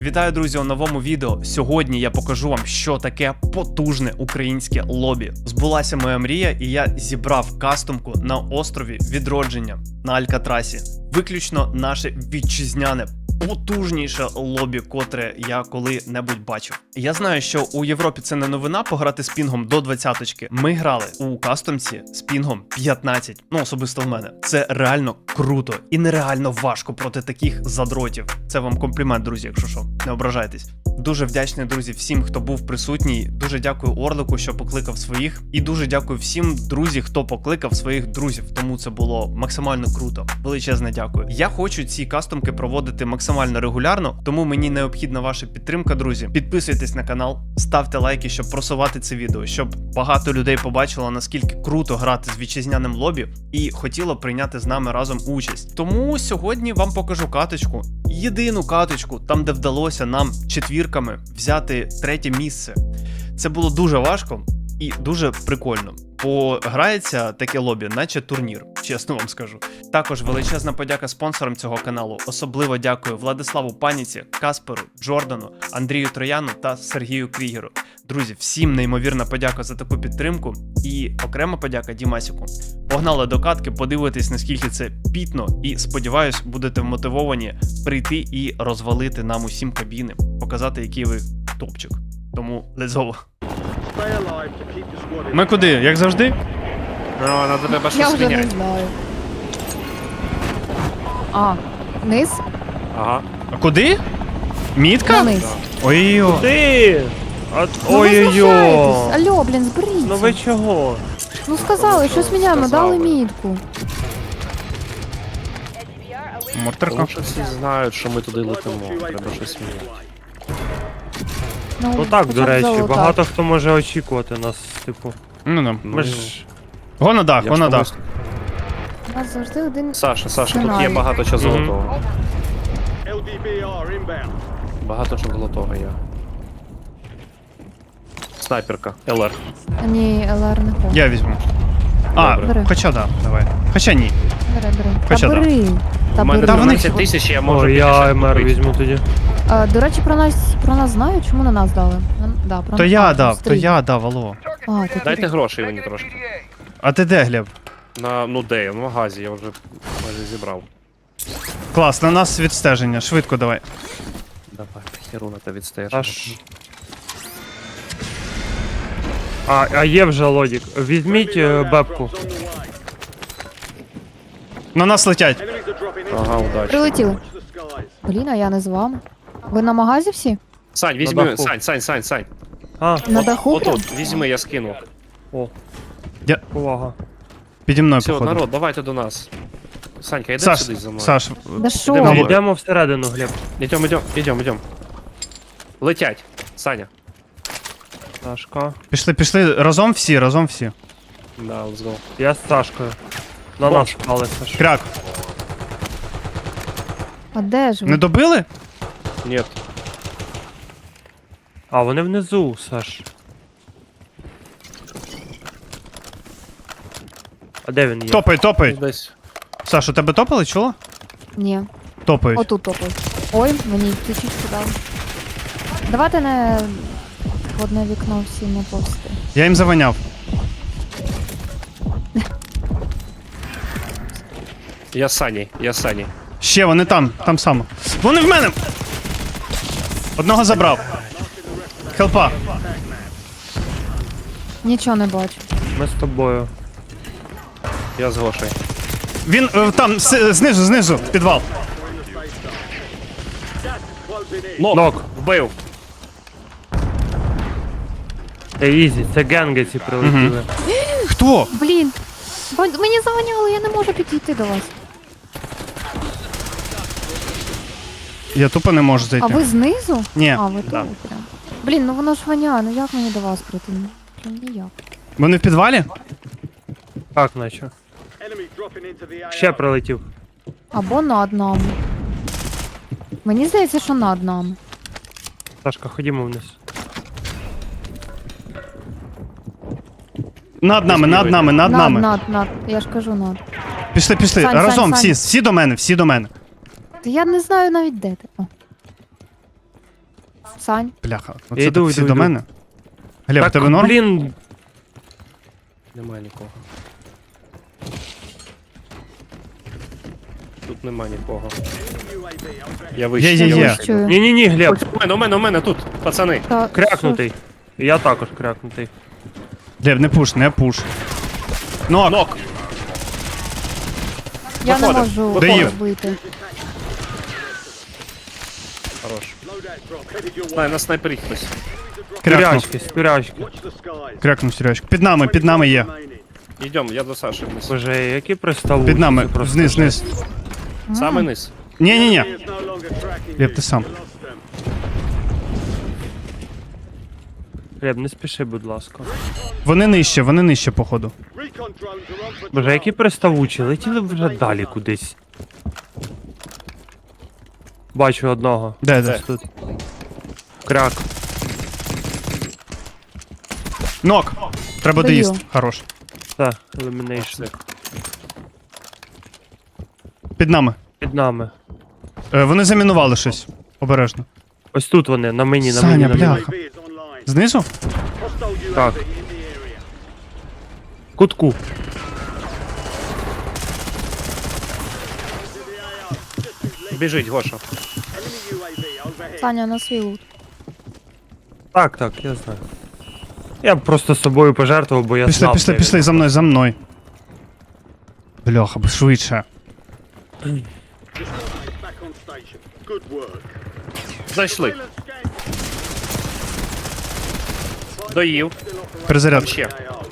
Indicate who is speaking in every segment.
Speaker 1: Вітаю, друзі, у новому відео. Сьогодні я покажу вам, що таке потужне українське лобі. Збулася моя мрія, і я зібрав кастомку на острові Відродження на Алькатрасі. Виключно наше вітчизняне, потужніше лобі, котре я коли-небудь бачив. Я знаю, що у Європі це не новина пограти з пінгом до 20-ки. Ми грали у кастомці з пінгом 15. Ну, особисто в мене. Це реально круто і нереально важко проти таких задротів. Це вам комплімент, друзі, якщо що. Не ображайтесь. Дуже вдячний, друзі, всім, хто був присутній. Дуже дякую Орлику, що покликав своїх. І дуже дякую всім, друзі, хто покликав своїх друзів. Тому це було максимально круто. Величезне дякую. Я хочу ці кастомки проводити максимально регулярно, тому мені необхідна ваша підтримка, друзі. Підписуйтесь на канал, ставте лайки, щоб просувати це відео, щоб багато людей побачило, наскільки круто грати з вітчизняним лобі і хотіло прийняти з нами разом участь. Тому сьогодні вам покажу каточку. Єдину каточку, там де вдалося нам четвірками взяти 3-те місце. Це було дуже важко і дуже прикольно. Бо грається таке лобі, наче турнір, чесно вам скажу. Також величезна подяка спонсорам цього каналу. Особливо дякую Владиславу Паніці, Касперу, Джордану, Андрію Трояну та Сергію Крігеру. Друзі, всім неймовірна подяка за таку підтримку і окрема подяка Дімасіку. Погнали до катки, подивитись, наскільки це пітно, і сподіваюсь, будете вмотивовані прийти і розвалити нам усім кабіни, показати, який ви топчик. Тому let's go. Ми куди? Як завжди?
Speaker 2: Ну, надо тебе
Speaker 3: Я
Speaker 2: щось
Speaker 3: вже не
Speaker 2: міняти.
Speaker 3: знаю. А, вниз?
Speaker 2: Ага.
Speaker 1: А куди? Мітка?
Speaker 3: Вниз.
Speaker 1: Ой-ой-ой.
Speaker 4: Ти!
Speaker 3: Ну ви
Speaker 4: Ой-ой-ой!
Speaker 3: знущаєтесь. Алло, блін, зберіться.
Speaker 4: Ну ви чого?
Speaker 3: Ну сказали, щось міняємо,
Speaker 2: Сказали.
Speaker 3: дали мітку.
Speaker 1: Мортерка.
Speaker 2: Тому що всі знають, що ми туди летимо. Треба щось міняти.
Speaker 4: Ну так,
Speaker 3: хоча
Speaker 4: до
Speaker 3: б
Speaker 4: речі,
Speaker 3: золота.
Speaker 4: багато хто може очікувати нас, типу.
Speaker 1: Ну.
Speaker 4: Ми ж.
Speaker 1: Го на дах,
Speaker 2: Я
Speaker 1: го
Speaker 2: ж
Speaker 1: на
Speaker 2: тому-
Speaker 1: дах.
Speaker 3: У нас завжди один
Speaker 2: Саша, тут є
Speaker 3: сценарій.
Speaker 2: багато чого
Speaker 4: Мгм.
Speaker 2: золотого. Багато чого золотого є. Снайперка, ЛР.
Speaker 3: Ні, ЛР не хоче.
Speaker 1: Я візьму. А,
Speaker 3: Бери.
Speaker 1: хоча да, давай. Хоча ні.
Speaker 3: Бери.
Speaker 1: Хоча
Speaker 3: Та
Speaker 1: да.
Speaker 3: бери. Та
Speaker 2: У мене
Speaker 1: Та
Speaker 3: бери.
Speaker 1: вони-
Speaker 2: 12 тисяч, я можу
Speaker 4: О,
Speaker 2: піти
Speaker 4: я
Speaker 2: щось
Speaker 4: МР
Speaker 2: купити.
Speaker 4: візьму тоді.
Speaker 3: До речі, про нас знають, чому на нас дали? Да, про
Speaker 1: То
Speaker 3: нас.
Speaker 1: я
Speaker 3: А,
Speaker 1: дав, то
Speaker 3: стрій.
Speaker 1: я дав, алло.
Speaker 3: А, ти
Speaker 2: Дайте грошей мені трошки.
Speaker 1: А ти де, Глеб?
Speaker 2: Ну де я? В магазі, я вже майже зібрав.
Speaker 1: Клас, на нас відстеження, швидко давай.
Speaker 2: Давай, херуна та відстаєш.
Speaker 4: Аж. А є вже лодік. Візьміть бебку.
Speaker 1: На нас летять.
Speaker 2: Ага, удачі.
Speaker 3: Прилетіли. Блін, а я не з вами. Ви на магазі всі?
Speaker 2: Сань, візьми,
Speaker 4: даху.
Speaker 2: Сань.
Speaker 4: А,
Speaker 3: На даху? прям?
Speaker 2: Отут, візьми, я скину.
Speaker 4: о.
Speaker 1: Я-
Speaker 4: Увага.
Speaker 1: Піді мною,
Speaker 2: Все,
Speaker 1: походу.
Speaker 2: народ, давайте до нас. Санька, йди
Speaker 1: Саш,
Speaker 2: сюди за мною.
Speaker 1: Саш,
Speaker 3: Да що?
Speaker 2: Йдемо.
Speaker 3: ви?
Speaker 4: Йдемо всередину, Глеб.
Speaker 2: Идем. Летять, Саня.
Speaker 4: Сашка.
Speaker 1: пішли разом всі.
Speaker 2: Да, let's go.
Speaker 4: Я з Сашкою. На
Speaker 2: Бомж.
Speaker 4: нас впали, Саш.
Speaker 1: Кряк,
Speaker 3: А де ж ви?
Speaker 1: не добили?
Speaker 2: Нет.
Speaker 4: А, вони внизу, Саш. А де він є?
Speaker 1: Топай.
Speaker 2: Десь.
Speaker 1: Саш, у тебе топали, чула?
Speaker 3: Ні.
Speaker 1: Топають.
Speaker 3: Отут топай. Ой, мені ключичку дали. Давайте не в одне вікно всі не повсти.
Speaker 1: Я їм заваняв.
Speaker 2: Я з Саней.
Speaker 1: Ще, вони там само. Вони в мене! Одного забрав. Хелпа.
Speaker 3: Нічого не бачу.
Speaker 4: Ми з тобою.
Speaker 2: Я з Гошей.
Speaker 1: Він там, знизу, підвал.
Speaker 2: Нок. Вбив.
Speaker 4: Ізі, це генги ці прилетіли.
Speaker 1: Хто?
Speaker 3: Блін, мені заваняло, я не можу підійти до вас.
Speaker 1: Я тупо не можу
Speaker 3: А
Speaker 1: зайти.
Speaker 3: ви знизу?
Speaker 1: Ні.
Speaker 3: А, ви
Speaker 2: Да.
Speaker 3: тут прям. Блін, ну воно ж воняє, ну як мені до вас прийти? Ну, прям ніяк.
Speaker 1: Вони в підвалі?
Speaker 4: Так, наче. Ще прилетів.
Speaker 3: Або над нами. Мені здається, що над нами.
Speaker 4: Сашка, ходімо вниз.
Speaker 1: Над нами.
Speaker 3: Над. Я ж кажу над.
Speaker 1: Пішли.
Speaker 3: Сань,
Speaker 1: Разом,
Speaker 3: Сань.
Speaker 1: всі до мене.
Speaker 3: Та я не знаю навіть де ти. О. Сань.
Speaker 1: Бляха.
Speaker 4: Я
Speaker 1: Оце
Speaker 4: йду,
Speaker 1: так всі
Speaker 4: йду,
Speaker 1: до
Speaker 4: йду.
Speaker 1: мене. Глеб,
Speaker 4: Так,
Speaker 1: тебе норм?
Speaker 4: блін,
Speaker 2: Немає нікого. Тут нема нікого. Я вийшов.
Speaker 1: Є.
Speaker 2: я
Speaker 3: Я
Speaker 2: вийшов.
Speaker 3: чую.
Speaker 4: ні-ні-ні, Глеб,
Speaker 2: У мене тут, пацани.
Speaker 3: Та,
Speaker 4: крякнутий. Я також крякнутий.
Speaker 1: Глеб, не пуш, не пуш. Нок!
Speaker 2: Нок.
Speaker 3: Я не
Speaker 2: Виходимо,
Speaker 3: можу
Speaker 1: Доїв.
Speaker 3: вийти.
Speaker 2: Хорош. На снайпері хтось.
Speaker 1: Крякнув.
Speaker 4: Спірячки.
Speaker 1: Крякнув, Сережка. Під нами є.
Speaker 2: Йдемо, я до Саші вниз.
Speaker 4: Боже, які приставучі.
Speaker 1: Під нами.
Speaker 4: просто
Speaker 1: Вниз,
Speaker 4: жесть.
Speaker 1: вниз.
Speaker 2: Саме низ.
Speaker 1: Ні. Глеб, ти сам.
Speaker 4: Глеб, не спіши, будь ласка.
Speaker 1: Вони нижче, походу.
Speaker 4: Боже, які приставучі, летіли б вже далі кудись. Бачу одного.
Speaker 1: Де?
Speaker 4: Ось тут. Кряк.
Speaker 1: Нок! Треба
Speaker 3: Даю.
Speaker 1: доїсти. Хорош.
Speaker 4: Так, елімінейшн.
Speaker 1: Під нами.
Speaker 4: Під нами.
Speaker 1: Вони замінували щось. Обережно.
Speaker 4: Ось тут вони, на мені, на
Speaker 1: Саня,
Speaker 4: мені, на мені.
Speaker 1: бляха. Знизу?
Speaker 4: Так. Кутку.
Speaker 2: Біжить, Гоша.
Speaker 3: Саня, на свій лут.
Speaker 4: Так, я знаю. Я б просто собою пожертвував, бо я знав. де він.
Speaker 1: Пішли, за мною. Бляха, швидше.
Speaker 2: Зайшли. Доїв. Там
Speaker 1: Перезаряд.
Speaker 2: ще.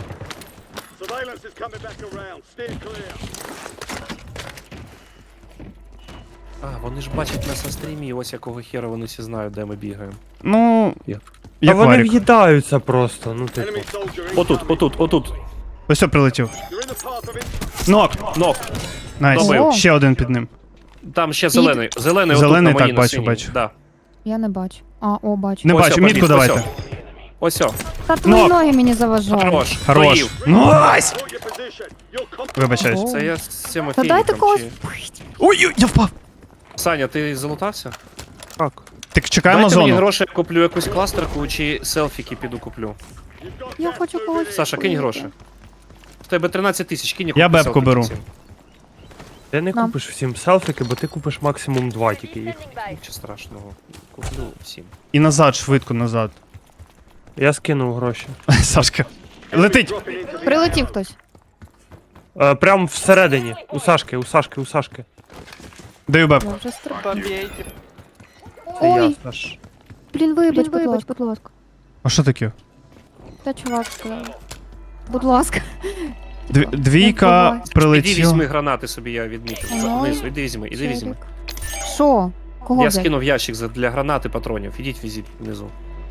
Speaker 2: А, вони ж бачать нас на стрімі, і ось якого хера вони всі знають, де ми бігаємо.
Speaker 1: Ну,
Speaker 2: Як?
Speaker 4: Та
Speaker 1: як
Speaker 4: вони
Speaker 1: варік.
Speaker 4: в'їдаються просто, ну типу.
Speaker 2: Отут.
Speaker 1: Ось все прилетів. Нок!
Speaker 2: Нок.
Speaker 1: Найс.
Speaker 2: Добив.
Speaker 1: Ще один під ним.
Speaker 2: Там ще зелений. Зелений
Speaker 1: Зелений,
Speaker 2: отут на моїй,
Speaker 1: так,
Speaker 2: на
Speaker 1: бачу,
Speaker 2: синій.
Speaker 1: бачу.
Speaker 2: Да.
Speaker 3: Я не бачу. Бачу.
Speaker 1: Не
Speaker 2: Ось
Speaker 1: бачу,
Speaker 2: о,
Speaker 1: мітку
Speaker 2: побіг,
Speaker 1: давайте.
Speaker 2: Ось о.
Speaker 3: Та твої
Speaker 1: Нок.
Speaker 3: ноги мені заважають.
Speaker 2: Хорош.
Speaker 1: Хорош.
Speaker 2: Доїв.
Speaker 1: Найс! Вибачаюсь.
Speaker 3: Ого.
Speaker 2: Це я з цим
Speaker 3: Та дайте
Speaker 2: фініком
Speaker 3: когось.
Speaker 2: чи...
Speaker 1: Ой, я впав.
Speaker 2: Саня, ти залутався?
Speaker 4: Так.
Speaker 1: Так чекаємо
Speaker 2: Дайте мені
Speaker 1: зону.
Speaker 2: гроші, я куплю якусь кластерку чи селфіки піду куплю.
Speaker 3: Я хочу когось.
Speaker 2: Саша, кинь гроші. В тебе 13 тисяч, кинь
Speaker 1: Я
Speaker 2: купи
Speaker 1: бебку
Speaker 2: селфіки
Speaker 1: беру.
Speaker 2: всім.
Speaker 4: Ти не
Speaker 3: Нам.
Speaker 4: купиш всім селфіки, бо ти купиш максимум 2 тільки їх.
Speaker 2: Нічого страшного. Куплю всім.
Speaker 1: І назад, швидко назад.
Speaker 4: Я скинув гроші.
Speaker 1: Сашка. Летить.
Speaker 3: Прилетів хтось.
Speaker 4: Прям всередині. У Сашки.
Speaker 1: Даю беб.
Speaker 3: Я вже стрибаю.
Speaker 4: Це я,
Speaker 3: Ой,
Speaker 4: Саш.
Speaker 3: блін, вибач, будь ласка.
Speaker 1: А що таке?
Speaker 3: Та чувак сказав. Будь ласка.
Speaker 1: Двійка
Speaker 3: Іди
Speaker 2: Іди
Speaker 1: прилетіла.
Speaker 2: візьми гранати собі, я відмітив.
Speaker 3: Ой.
Speaker 2: Знизу, іди візьми.
Speaker 3: Челік. Що? Кого
Speaker 2: Я
Speaker 3: взяти?
Speaker 2: скинув ящик для гранати патронів. Ідіть візіть внизу.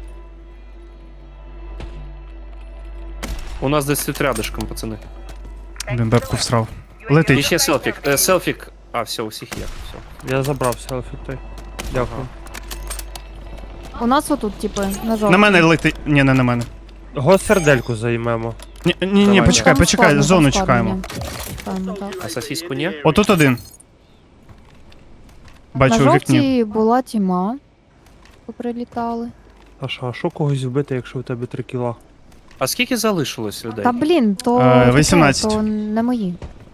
Speaker 2: У нас десь тут рядышком, пацани.
Speaker 1: Блін, бебку всрав.
Speaker 2: І
Speaker 1: Летить.
Speaker 2: ще селфік. Селфік. А, все, усіх є. Все.
Speaker 4: Я забрав селфі той. Дякую.
Speaker 3: У нас отут, типу, на жовтій.
Speaker 1: На мене летить. Ні, не на мене.
Speaker 4: Госердельку займемо.
Speaker 1: Ні,
Speaker 2: Давай.
Speaker 1: почекай,
Speaker 3: Там складно,
Speaker 1: зону
Speaker 3: там складно,
Speaker 1: чекаємо.
Speaker 3: ні. Чекаємо, так.
Speaker 2: А сосиску ні?
Speaker 1: Отут один. Бачу
Speaker 3: На
Speaker 1: у вікні.
Speaker 3: жовтій була тіма. Поприлітали.
Speaker 4: А що когось вбити, якщо у тебе 3 кіла?
Speaker 2: А скільки залишилось людей?
Speaker 3: Та блін, то,
Speaker 1: 18.
Speaker 3: то не мої.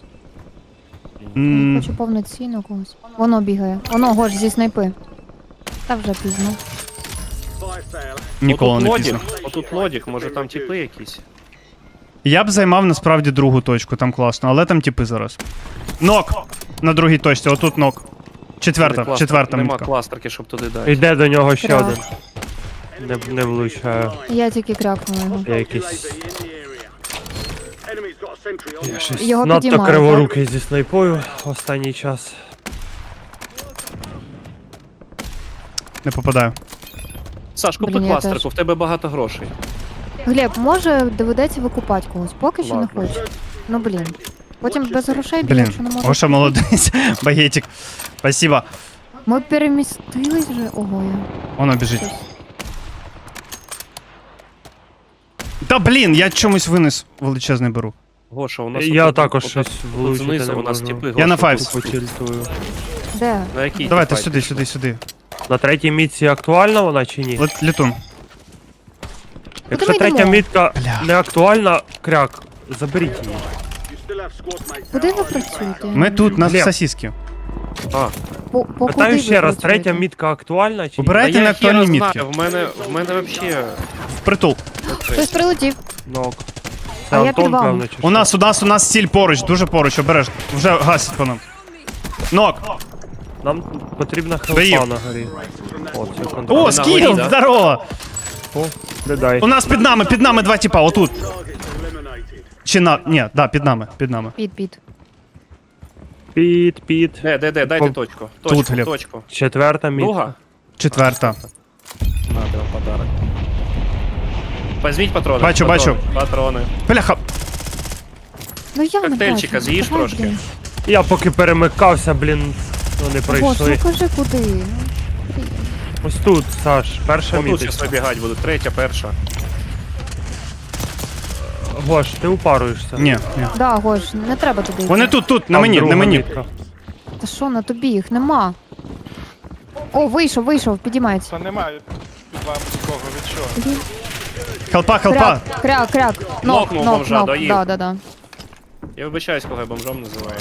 Speaker 1: М,
Speaker 3: Хочу повноцінно когось. Воно бігає. Воно гош зі снайпи. Та вже пізно.
Speaker 1: Ніколи
Speaker 2: Отут
Speaker 1: не
Speaker 2: лодік.
Speaker 1: пізно.
Speaker 2: Отут лодік, може там типи якісь.
Speaker 1: Я б займав насправді другу точку, там класно, але там типи зараз. Нок! На другій точці, отут нок. Четверта
Speaker 2: Нема
Speaker 1: мітка.
Speaker 2: кластерки, щоб туди дати.
Speaker 4: Йде до нього ще
Speaker 3: Так.
Speaker 4: один. Не влучаю.
Speaker 3: Я тільки крякнула його.
Speaker 4: Я якийсь
Speaker 3: Його
Speaker 4: надто
Speaker 3: підіймають,
Speaker 4: криворукий зі снайпою останній час.
Speaker 1: Не попадаю.
Speaker 2: Саш, купи
Speaker 3: Блін, я
Speaker 2: кластерку,
Speaker 3: теж.
Speaker 2: в тебе багато грошей.
Speaker 3: Глеб, може доведеться викупати когось, поки що не
Speaker 2: Ладно.
Speaker 3: хочу. Ну блін. Потім без грошей біля,
Speaker 1: Блін,
Speaker 3: якщо не можу.
Speaker 1: Гоша молодець. Багетик. Спасибо.
Speaker 3: Ми перемістились вже. Ого, я.
Speaker 1: Воно біжить.
Speaker 3: щось.
Speaker 1: Та блін, я чомусь винес величезний беру.
Speaker 2: Гоша, у нас
Speaker 4: Я
Speaker 2: отут-
Speaker 4: також
Speaker 2: отут-
Speaker 4: щось
Speaker 2: отут
Speaker 4: влучити
Speaker 2: знизу
Speaker 4: не
Speaker 2: у нас
Speaker 4: можу.
Speaker 2: типи.
Speaker 1: Я
Speaker 2: Гоша,
Speaker 1: на
Speaker 2: тут
Speaker 1: файвс.
Speaker 2: тут.
Speaker 4: Потільтую.
Speaker 3: Де?
Speaker 2: На якій
Speaker 1: Давайте
Speaker 2: ти
Speaker 1: сюди,
Speaker 2: файті?
Speaker 1: сюди.
Speaker 4: На третій мітці актуальна вона чи ні?
Speaker 1: Літун.
Speaker 4: Якщо
Speaker 3: ми
Speaker 4: третя
Speaker 3: йдемо?
Speaker 4: мітка
Speaker 1: Бля.
Speaker 4: не актуальна, кряк, заберіть її.
Speaker 3: Куди ви працюєте?
Speaker 1: Ми тут, на
Speaker 4: Глеб.
Speaker 1: сосиски.
Speaker 2: А,
Speaker 3: По
Speaker 4: Питаю
Speaker 3: куди
Speaker 4: ще
Speaker 3: ви
Speaker 4: раз,
Speaker 3: працюєте?
Speaker 4: третя мітка актуальна чи ні?
Speaker 1: Обирайте
Speaker 2: та я
Speaker 1: на актуальні
Speaker 2: хіра
Speaker 1: мітки.
Speaker 2: знаю, в мене вообще...
Speaker 1: Впритул.
Speaker 3: Хтось прилетів.
Speaker 4: Нок.
Speaker 3: А
Speaker 4: Це
Speaker 3: я
Speaker 4: Антон,
Speaker 3: під вами.
Speaker 4: певно, чи
Speaker 1: У нас ціль поруч, дуже поруч, обережно. Вже гасить по нам. Нок.
Speaker 4: Нам потрібна
Speaker 1: Доїв.
Speaker 4: хелпа на горі. О, це контроль.
Speaker 1: О,
Speaker 2: на
Speaker 1: скіл,
Speaker 2: горі, да?
Speaker 1: здорово!
Speaker 4: О, не дай.
Speaker 1: У нас під нами два тіпа, отут. Чи на... Ні, да, під нами.
Speaker 3: Під.
Speaker 4: Під.
Speaker 2: Де, дайте
Speaker 4: По-
Speaker 2: точку.
Speaker 1: Тут, Глеб.
Speaker 2: Точку.
Speaker 4: Четверта мітка.
Speaker 2: Друга?
Speaker 1: Четверта.
Speaker 2: Надо вам подарок. Візьміть патрони.
Speaker 1: Бачу,
Speaker 2: патрони,
Speaker 1: бачу.
Speaker 2: Патрони.
Speaker 1: Бляха.
Speaker 3: Ну я не
Speaker 2: Коктейльчика
Speaker 3: бачу.
Speaker 2: з'їж
Speaker 3: Давай,
Speaker 2: трошки?
Speaker 3: блін.
Speaker 4: Я поки перемикався, блін, вони
Speaker 3: Гош,
Speaker 4: прийшли.
Speaker 3: ну кажи куди.
Speaker 4: Ось тут, Саш, перша
Speaker 2: Отут
Speaker 4: мітка.
Speaker 2: зараз вибігати будуть. Третя, перша.
Speaker 4: Гош, ти упаруєшся.
Speaker 1: Ні, ні.
Speaker 3: Да, Гош, не треба туди. йти.
Speaker 1: Вони тут, на
Speaker 4: Там
Speaker 1: мені, на
Speaker 4: друга
Speaker 1: мені.
Speaker 4: мітка.
Speaker 3: Та що, на тобі їх нема. О, вийшов, підіймається.
Speaker 5: Та немає під вами нікого, від чого?
Speaker 1: Хелпа.
Speaker 3: Кряк.
Speaker 2: Нокнув бомжа, доїв.
Speaker 3: Да.
Speaker 2: Я вибачаюсь, кого я бомжом називаю.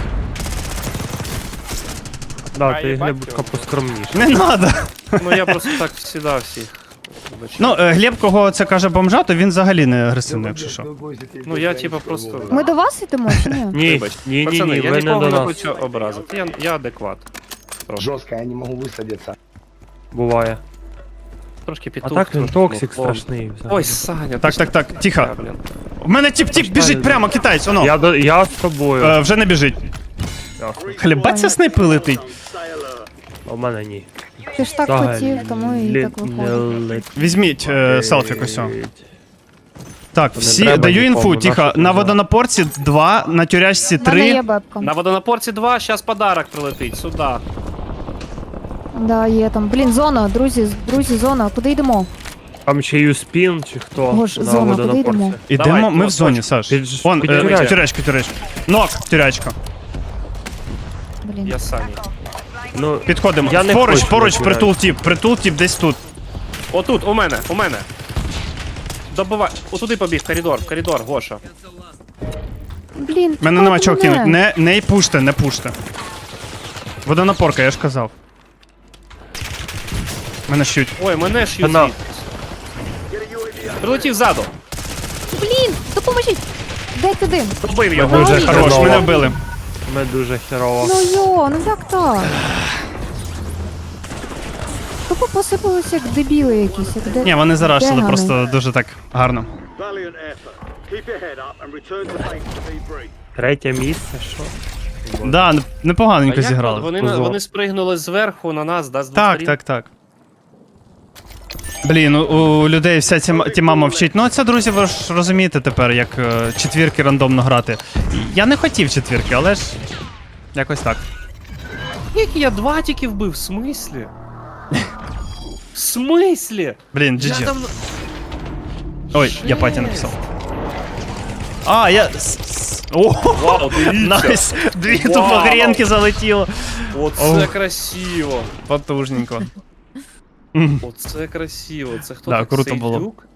Speaker 4: Да,
Speaker 5: А,
Speaker 4: ти
Speaker 5: їбать
Speaker 4: глибоко
Speaker 5: його.
Speaker 4: поскромніше.
Speaker 1: Не надо.
Speaker 2: Ну я просто так всіда всіх. вибачаю.
Speaker 1: Ну, Глеб, кого це каже бомжа, то він взагалі не агресивний, якщо що.
Speaker 2: Ну я типа просто...
Speaker 3: Ми до вас йдемо чи ні?
Speaker 4: Ні,
Speaker 2: Вибач.
Speaker 4: ні,
Speaker 2: Пацани, я
Speaker 4: ви не
Speaker 2: нікого
Speaker 4: до
Speaker 2: не
Speaker 4: нас.
Speaker 2: хочу образити. Я адекват.
Speaker 6: Жестко, я не могу высадиться.
Speaker 4: Буває.
Speaker 2: Трошки
Speaker 4: А
Speaker 2: петух.
Speaker 4: так він
Speaker 2: трошки
Speaker 4: токсик
Speaker 2: муфлон.
Speaker 4: страшний. взагалі.
Speaker 2: Ой, Саня,
Speaker 1: Так, тихо.
Speaker 2: блін.
Speaker 1: У мене тіп біжить прямо, китаєць, воно.
Speaker 4: Я з тобою.
Speaker 1: Вже не біжить. Хлібаться снайпи летить.
Speaker 4: А у мене ні.
Speaker 3: Ти ж так хотів, тому і так виходить.
Speaker 1: Візьміть селфі косьо. Так,
Speaker 4: Не
Speaker 1: всі,
Speaker 4: треба
Speaker 1: даю
Speaker 4: нікому,
Speaker 1: інфу,
Speaker 4: нащо
Speaker 1: тихо.
Speaker 4: ти
Speaker 1: На
Speaker 4: взяв?
Speaker 1: водонапорці 2, на тюрячці
Speaker 3: У мене є
Speaker 1: 3.
Speaker 3: бебка.
Speaker 2: На водонапорці 2, зараз подарок прилетить, сюди.
Speaker 3: Да, є там. Блін, зона, друзі, зона. Куди йдемо?
Speaker 4: Там ще юспін чи хто?
Speaker 3: Гош,
Speaker 4: на
Speaker 3: зона, куди
Speaker 4: водонапорці.
Speaker 3: йдемо?
Speaker 1: Ідемо,
Speaker 2: Давай,
Speaker 1: ми в
Speaker 2: точку.
Speaker 1: зоні, Саш.
Speaker 4: Під-
Speaker 1: Вон,
Speaker 4: під
Speaker 1: тюрячка. Нок, тюрячка.
Speaker 3: Блін.
Speaker 2: Я Саня.
Speaker 4: Ну,
Speaker 1: Підходимо.
Speaker 4: Я не
Speaker 1: Поруч,
Speaker 4: хочу на
Speaker 1: притул тіп десь тут.
Speaker 2: Отут, у мене. Добивай. Отуди побіг, в коридор, Гоша.
Speaker 3: Блін,
Speaker 1: Мене нема
Speaker 3: чекайте
Speaker 1: чого
Speaker 3: мене.
Speaker 1: кинуть. Не пуште. Водонапорка, я ж казав. Мене щуть.
Speaker 2: Ой, мене ж
Speaker 4: Вона.
Speaker 2: юзить. Прилетів ззаду.
Speaker 3: Блін, допоможіть. Дайте дим.
Speaker 2: Добив його.
Speaker 4: Дуже
Speaker 3: Ай.
Speaker 1: Хорош,
Speaker 4: хреново.
Speaker 1: мене вбили.
Speaker 4: Ми дуже херово.
Speaker 3: Ну як так? Тупо посипалися як дебіли якісь, як де...
Speaker 1: Ні, вони зарашили
Speaker 3: дегани.
Speaker 1: просто дуже так гарно.
Speaker 7: Valiant effort. Keep your head up and return to base to debrief.
Speaker 4: Третє місце, що?
Speaker 1: Да,
Speaker 2: А
Speaker 1: непоганенько
Speaker 2: як
Speaker 1: зіграли.
Speaker 2: Вони,
Speaker 4: Позор.
Speaker 2: вони спригнули зверху на нас, да, з двох сторін?
Speaker 1: Так. Блін, у людей вся тіма мовчить. Ну це, друзі, ви ж розумієте тепер, як четвірки рандомно грати. Я не хотів четвірки, але ж якось так.
Speaker 2: Як я 2 тільки вбив, в смислі? В смислі?
Speaker 1: Блін,
Speaker 2: Я
Speaker 1: GG.
Speaker 2: там...
Speaker 1: Ой, я паті написав. А, я... О,
Speaker 2: Вау, дивіться.
Speaker 1: найс! Дві
Speaker 2: Вау.
Speaker 1: тупо гренки залетіло.
Speaker 2: Оце
Speaker 1: Ох.
Speaker 2: красиво.
Speaker 1: Потужненько.
Speaker 2: Оце красиво. Це хто
Speaker 1: Да,
Speaker 2: так?
Speaker 1: круто було.
Speaker 2: Сейдюк?